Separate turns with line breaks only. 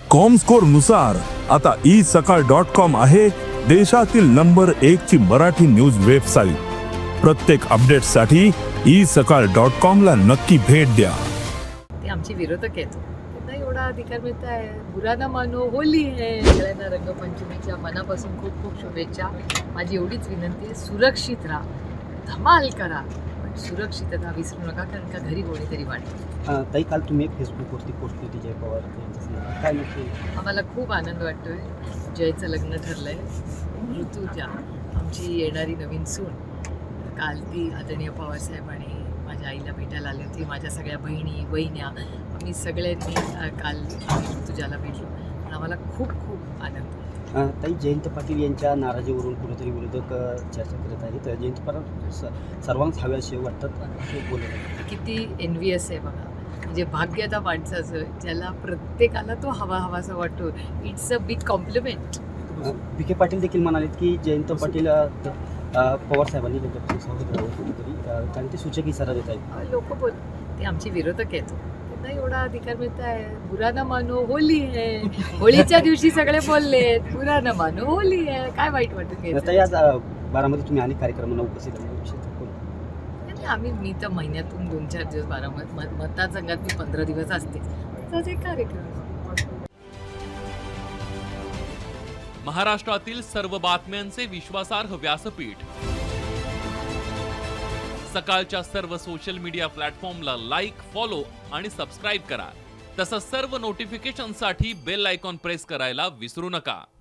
Comscore नुसार आता isakal.com आहे देशातील नंबर 1 ची मराठी न्यूज वेबसाईट। प्रत्येक अपडेटसाठी isakal.com ला नक्की भेट द्या।
ते आमचे विरोधक आहेत, त्यांना एवढा अधिकार मिळत आहे। बुरा ना मानो, होली आहे। सगळ्यांना रंगपंचमीच्या मनापासून खूप खूप शुभेच्छा। माझी एवढीच विनंती आहे, सुरक्षित राहा, धमाल करा, पण सुरक्षितता विसरू नका, कारण का घरी कोणीतरी वाटतं।
ताई, काल तुम्ही एक फेसबुकवरती पोस्ट केली जय पवार यांच्यासंदर्भात, काय नक्की?
आम्हाला खूप आनंद वाटतोय। जयचं लग्न ठरलंय, ऋतुजा आमची येणारी नवीन सून। काल ती आदरणीय पवारसाहेब आणि माझ्या आईला भेटायला आली होती, माझ्या सगळ्या बहिणी वहिन्या, आम्ही सगळ्यांनी काल ऋतुजाला भेटलो, आणि आम्हाला खूप खूप आनंद।
ताई, जयंत पाटील यांच्या नाराजीवरून कुठेतरी विरोधक चर्चा करत आहेत। जयंत पाटील सर्वांच हवे असे वाटतात असे बोलत
किती एनव्हियस आहे बघा, म्हणजे भाग्य त्या माणसाचं ज्याला प्रत्येकाला तो हवासा वाटतो। It's a big compliment.
Vikhe Patil देखील म्हणालेत की जयंत पाटील पवार साहेबांनी त्यांच्यापासून सावध राहावं कुठेतरी, कारण ते सूचक इशारा देत आहेत।
लोक बोल, ते आमचे विरोधक आहेत, त्यांना एवढा अधिकार मिळत आहे। बुरा ना मानो, होली आहे। होळीच्या दिवशी सगळे बोललेत, बुरा ना मानो, होली आहे, काय वाईट वाटत घ्यायचं?
ताई, आज बारामती तुम्ही अनेक कार्यक्रमांना उपस्थित राहणार
मी तर महिन्यातून 2-4 दिवस बारामती मतदारसंघात मी 15 दिवस असते, तर ते कार्यक्रम।
महाराष्ट्रातील सर्व बातम्यांचे विश्वासार्ह व्यासपीठ, सकाळच्या सर्व सोशल मीडिया प्लॅटफॉर्मला लाईक, फॉलो आणि सबस्क्राईब करा। तसंच सर्व नोटिफिकेशनसाठी बेल आयकॉन प्रेस करायला विसरू नका।